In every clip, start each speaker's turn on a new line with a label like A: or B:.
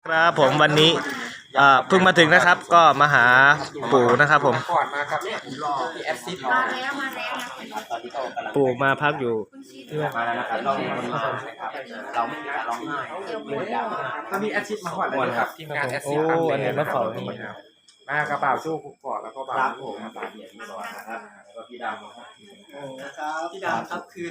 A: ครับผมวันนี้เพิ่งมาถึงนะครับก็มาหาปู่นะครับผม
B: ก่อนมาครับเนี่ยผมรอที่แอดซิด
C: มาแล้ว
A: ปู่มาพักอยู่ที่ว่า
B: มาแล้วนะครับเราคนมานะครับเราไม่มีการร้องไห้ถ้ามีแอดซิดมาก่อนเลยครับทีมงานแอดซิด
A: อันนี้มาเฝ้าที่
B: มากระเป๋าสู้คุกก่อนแล้วก็บ่าวผมมาบ่าว
D: เนี่ยพี่บอลนะครับแล้วก็พี่ดำนะครับ
E: พี่ดาวครับคือ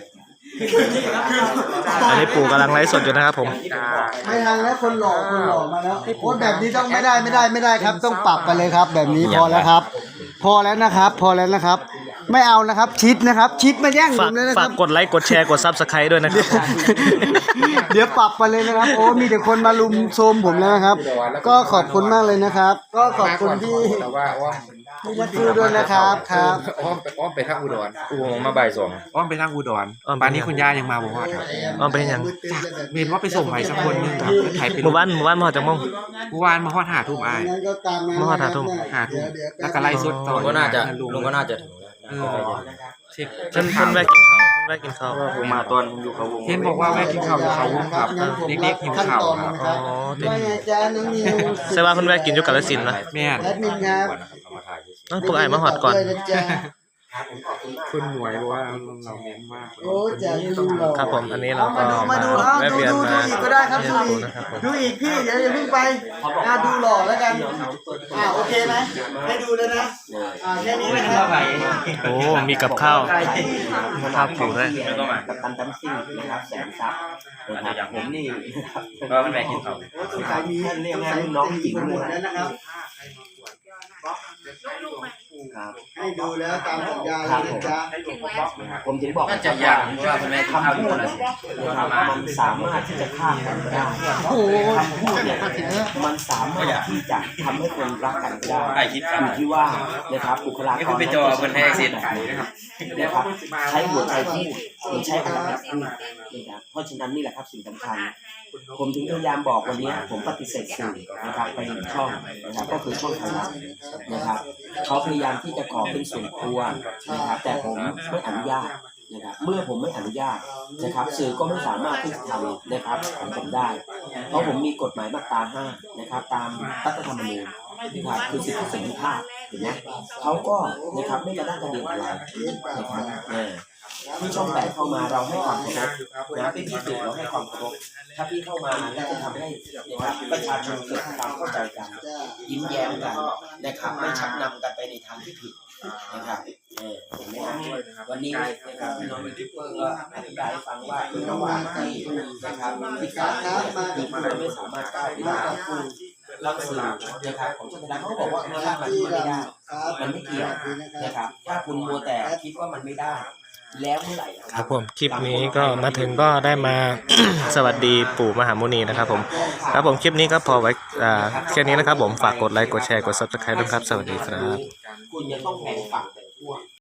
A: อันนี้ปู่กำลังไลฟ์สดอยู่นะครับผม
E: ไม่ทันแล้วคนหล่อมาแล้วโค้ดแบบนี้ต้องไม่ได้ครับ ต้องปรับไปเลยครับ แบบนี้พอแล้วครับ พอแล้วนะครับ ไม่เอานะครับชิดนะครับชิดมาแย่งผ
A: ฝาก
E: มเลยนะค
A: ฝา
E: รั
A: ก
E: บ
A: กดไลค์กดแชร์กดซับสไครต์ด้วยนะครับ
E: เดี๋ยวปรับไปเลยนะครับโอ้มีแต่คนมาลุมโซมผมแล้วนะครับ ก็ขอบคุณมากเลยนะครับ ก็ขอบคุณที่
B: แต่ว่าอ้อม
E: ที่รักดูด้วยนะครับครับ
B: อ้อมไปทางอุดร
D: กูมาบ่ายสอง
B: อ้อมไปทางอุดร
A: อ้อมไป
B: ป่านนี้คุณย่ายังมาบอกว่าครับ
A: อ้อมไปยัง
B: เมนว่าไปส่งใครสักคนนึงครับไทยไป
A: หมู่บ้านมาหอจากม่วง
B: เมื่อวานมาฮอด5 ทุ่มอ้าย
E: งั้นก็ตามนั้น
A: มาหาทุ่ม
B: 5 ทุ่มแล้วก็ไล่สุดต่อ
D: ลุงก็น่าจะถึงแล้ว
B: เช็ค
A: เพิ่นแวะกินข้าว
D: ผมมาตอนผมอยู่เขาวง
B: เห็นบอกว่าแม่กินข้าวอยู่เขาวุ้งครับเด็กๆหิวข้าวครับ
A: อ๋อติด
E: ว่าไงจ๊ะน้องนิว
A: ใช่ว่าเพิ่นแวะกินอยู่กาฬสินธุ์นะ
B: แม่น
E: แอดมินครับ
A: พวกไอ้มาหอดก่อน
E: ด้วยนะจ๊ะ
B: คุณหมวยบอกว่าเราเน้นมาก
E: โอ้จะดูหล่อ
A: ครับผมอันนี้เราก็
E: มาดู
A: แวะเวียนมา
E: อีกก็ได้ครับ
A: เยี่ยมปู่นะครับผม
E: ดูอีกพี่เดี๋ยวอย่าเพิ่งไปดูหล่อแล้วกันโอเคไหมให้ดูเลยนะแค่นี้นะครับ
A: โอ้มีกับข้าวปู่ด้วย
D: กับตันดัมซิ่งนะครับแสนซับนะครับผมนี่ก็มันแม่กินเขา
E: สงสัยมี
D: เรียกง่ายรุ่นน้องหญิง
E: หม
D: เล
E: ดแล้ว
D: ย
E: นะครับ
D: ครับ
E: ให้ดูแล้วตามสัญญาเลยนะจ๊ะ
D: ผมถึงบอกว่าจะยากเพราะว่าคุณแม่คำพูดนะครับมันสามารถที่จะฆ่ากันได้คำพูดเนี่ยมันสามารถที่จะทำให้คนรักกันได้อยู่ที่ว่านะครับบุคลากรไปจอคนให้สินะครับใช้หัวใจพูดหรือใช้พลังพูดนะครับเพราะฉะนั้นนี่แหละครับสิ่งสำคัญผมถึงพยายามบอกวันนี้ผมปฏิเสธสื่อนะครับไปหนึ่งช่องนะครับก็คือช่องไทยรัฐนะครับเขาพยายามที่จะขอเป็นส่วนตัวนะครับแต่ผมไม่อนุญาตนะครับเมื่อผมไม่อนุญาตนะครับสื่อก็ไม่สามารถที่จะทำนะครับของผมได้เพราะผมมีกฎหมายมาตรา 5นะครับตามรัฐธรรมนูญนะครับคือสิทธิเสรีภาพเห็นไหมเขาก็นะครับไม่กระด้างกระเดียดอะไรนะครับที่ช่อง8เข้ามาเราให้ความเคารพนะพี่สื่อเราให้ความเคารพถ้าพี่เข้ามาแล้วจะทำให้นะครับประชาชนเกิดความเข้าใจกันยิ้มแย้มกันนะครับไม่ชักนำกันไปในทางที่ผิดนะครับเห็นไหมครับวันนี้นะครับพี่น้องยูทูบเบอร์ก็อธิบายให้ฟังว่าระหว่างที่นะครับที่การมาที่เราไม่สามารถก้าวไปได้เราสื่อนะครับของชนชั้นเขาบอกว่ามันไม่ได้มันไม่เกี่ยวนะครับถ้าคุณมัวแต่คิดว่ามันไม่ได้แล้วเมื่อไหร่
A: ครับผมคลิปนี้ก็มาถึงก็ได้มา สวัสดีปู่มหามุนีนะครับผมครับผมคลิปนี้ก็พอไว้แค่นี้นะครับผมฝากกดไลค์กดแชร์กด Subscribe ด้วยครับสวัสดีครับ
D: คุณจะต้องแบ่งฝัก